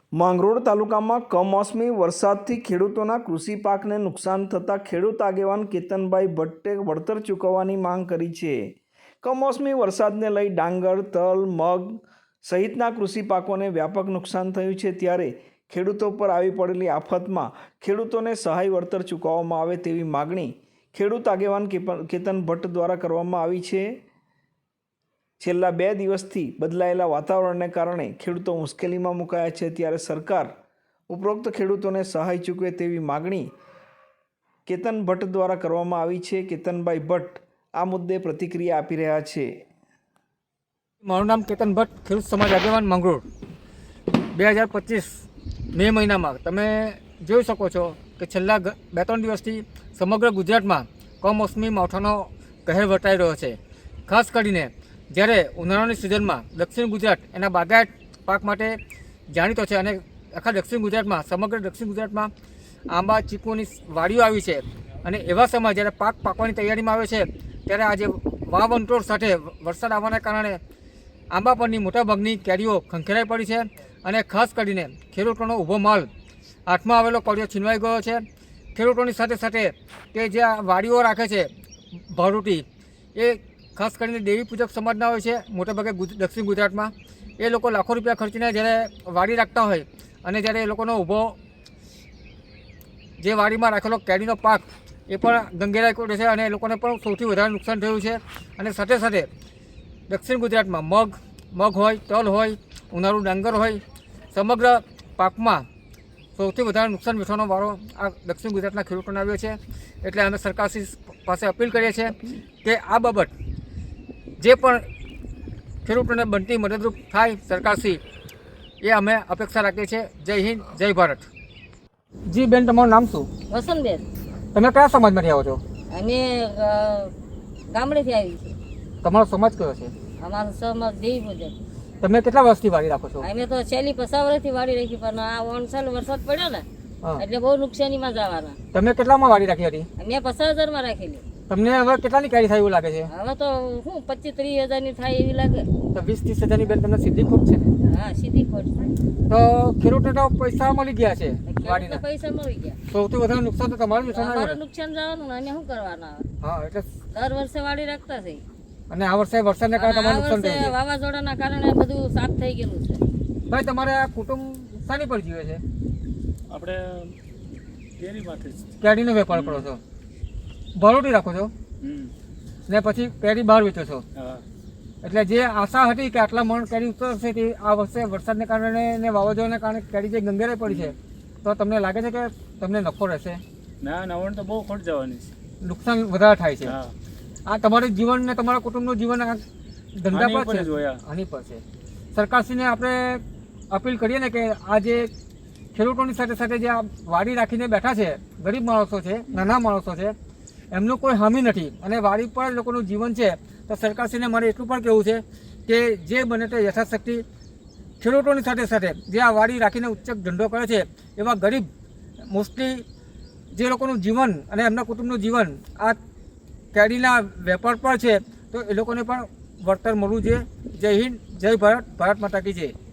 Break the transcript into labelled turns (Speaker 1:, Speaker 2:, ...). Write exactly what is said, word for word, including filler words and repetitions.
Speaker 1: માંગરોળ તાલુકામાં કમોસમી વરસાદથી ખેડૂતોના કૃષિ પાકને નુકસાન થતાં ખેડૂત આગેવાન કેતનભાઈ ભટ્ટે વળતર ચૂકવવાની માંગ કરી છે। કમોસમી વરસાદને લઈ ડાંગર, તલ, મગ સહિતના કૃષિ પાકોને વ્યાપક નુકસાન થયું છે, ત્યારે ખેડૂતો પર આવી પડેલી આફતમાં ખેડૂતોને સહાય વળતર ચૂકવવામાં આવે તેવી માગણી ખેડૂત આગેવાન કેતન ભટ્ટ દ્વારા કરવામાં આવી છે। છેલ્લા બે દિવસથી બદલાયેલા વાતાવરણને કારણે ખેડૂતો મુશ્કેલીમાં મુકાયા છે, ત્યારે સરકાર ઉપરોક્ત ખેડૂતોને સહાય ચૂકવે તેવી માગણી કેતન ભટ્ટ દ્વારા કરવામાં આવી છે। કેતનભાઈ ભટ્ટ આ મુદ્દે પ્રતિક્રિયા આપી રહ્યા છે।
Speaker 2: મારું નામ કેતન ભટ્ટ, ખેડૂત સમાજ આગેવાન માંગરોળ। બે હજાર પચીસ મે મહિનામાં તમે જોઈ શકો છો કે છેલ્લા બે ત્રણ દિવસથી સમગ્ર ગુજરાતમાં કમોસમી માવઠાનો કહેર વર્તાઈ રહ્યો છે। ખાસ કરીને જ્યારે ઉનાળાની સિઝનમાં દક્ષિણ ગુજરાત એના બાગાયત પાક માટે જાણીતો છે અને આખા દક્ષિણ ગુજરાતમાં સમગ્ર દક્ષિણ ગુજરાતમાં આંબા ચીકુની વાડીઓ આવી છે અને એવા સમય જ્યારે પાક પાકવાની તૈયારીમાં આવે છે ત્યારે આજે વાવંટોળ સાથે વરસાદ આવવાના કારણે આંબા પરની મોટાભાગની કેરીઓ ખંખેરાઈ પડી છે અને ખાસ કરીને ખેડૂતોનો ઊભો માલ હાથમાં આવેલો કોળિયો છીનવાઈ ગયો છે। ખેડૂતોની સાથે સાથે તે જે વાડીઓ રાખે છે ભારૂટી, એ ખાસ કરીને દેવી પૂજક સમાજના હોય છે મોટાભાગે દક્ષિણ ગુજરાતમાં। એ લોકો લાખો રૂપિયા ખર્ચીને જ્યારે વાડી રાખતા હોય અને જ્યારે એ લોકોનો ઊભો જે વાડીમાં રાખેલો કેરીનો પાક એ પણ ગંગેરાઈ પડે છે અને એ લોકોને પણ સૌથી વધારે નુકસાન થયું છે। અને સાથે સાથે દક્ષિણ ગુજરાતમાં મગ મગ હોય, તલ હોય, ઉનાળુ ડાંગર હોય, સમગ્ર પાકમાં સૌથી વધારે નુકસાન વેઠવાનો વારો આ દક્ષિણ ગુજરાતના ખેડૂતોને આવ્યો છે। એટલે અમે સરકારશ્રી પાસે અપીલ કરીએ છીએ કે આ બાબત જે પણ ખેડૂતોને બનતી મદદરૂપ થાય સરકારશ્રી, એ અમે અપેક્ષા રાખીએ છીએ। જય હિન્દ, જય ભારત। જી બેન, તમારું નામ શું?
Speaker 3: વસંતબેન।
Speaker 2: તમે કયા સમાજમાંથી આવો છો?
Speaker 3: અમે અ, ગામડેથી આવી છે।
Speaker 2: તમારો સમાજ કયો છે?
Speaker 3: અમારો સમાજ દેવી પૂજક।
Speaker 2: તમે કેટલા વર્ષથી વાડી રાખો છો?
Speaker 3: અમે તો છેલ્લી પચાસ વર્ષથી વાડી રાખી, પણ આ ઓનસાલ વરસાદ પડ્યો ને
Speaker 2: હા,
Speaker 3: એટલે બહુ નુકસાનીમાં જવાના।
Speaker 2: તમે કેટલામાં વાડી રાખી હતી?
Speaker 3: મેં પચાસ હજારમાં રાખેલી।
Speaker 2: તમને હવે કેટલાની કેરી થાય એવું લાગે છે?
Speaker 3: હવે તો શું પચીસ ત્રીસ હજારની થાય એવી લાગે।
Speaker 2: તો વીસ ત્રીસ હજારની બેન તમને સીધી ખોટ છે ને?
Speaker 3: હા, સીધી ખોટ છે।
Speaker 2: તો ખેડૂતને તો પૈસા મળી ગયા છે
Speaker 3: ખેડૂતને
Speaker 2: વાડીના,
Speaker 3: પૈસા મળી ગયા,
Speaker 2: સૌથી વધારે નુકસાન તો તમારું નુકસાન
Speaker 3: અમારું
Speaker 2: આવ્યું ને?
Speaker 3: નુકસાન જવાનું ને અમે શું કરવાના હવે?
Speaker 2: હા, એટલે
Speaker 3: દર વર્ષે વાડી રાખતા છે
Speaker 2: અને આ વર્ષે વરસાદને કારણે
Speaker 3: અને આ
Speaker 2: તમારું નુકસાન
Speaker 3: વર્ષે
Speaker 2: થયું છે।
Speaker 3: વાવાઝોડાના કારણે બધું સાફ થઈ ગયેલું છે।
Speaker 2: ભાઈ, તમારે આ કુટુંબ શાની પર જીવે છે?
Speaker 4: આપણે કેરીમાંથી જ
Speaker 2: કેરીનો વેપાર કરો છો, ભરોટી રાખો છો
Speaker 4: હમ
Speaker 2: ને પછી કેરી બહાર વેચો છો।
Speaker 4: હા
Speaker 2: એટલે જે આશા હતી કે આટલા મણ કેરી ઉતરશે તે આ વર્ષે વરસાદને કારણે ને વાવાઝોડાને કારણે કેરી જે ગંગેરાઈ પડી છે, તો તમને લાગે છે કે તમને નફો રહેશે?
Speaker 4: ના નવણ તો બહુ ખોટ જવાની છે।
Speaker 2: નુકસાન વધારે થાય છે।
Speaker 4: હા
Speaker 2: આ તમારું જીવન ને તમારા કુટુંબનું જીવન આ ધંધા
Speaker 4: આની
Speaker 2: પર
Speaker 4: ઉપર જ
Speaker 2: છે,
Speaker 4: હોય આ।
Speaker 2: આની પર છે। સરકારશ્રીને આપણે અપીલ કરીએ ને કે આ જે ખેડૂતોની સાથે સાથે જે આ વાડી રાખીને બેઠા છે, ગરીબ માણસો છે, નાના માણસો છે, એમનું કોઈ હામી નથી અને વાડી પર લોકોનું જીવન છે, તો સરકારશ્રીને મારે એટલું પણ કહેવું છે કે જે બને તે યથાશક્તિ ખેડૂતોની સાથે સાથે જે આ વાડી રાખીને ઉચ્ચક ધંધો કરે છે એવા ગરીબ, મોસ્ટલી જે લોકોનું જીવન અને એમના કુટુંબનું જીવન આ કેરીના વેપાર પર છે, તો એ લોકોને પણ વળતર મળવું જોઈએ। જય હિન્દ, જય ભારત, ભારત માતા કી જય।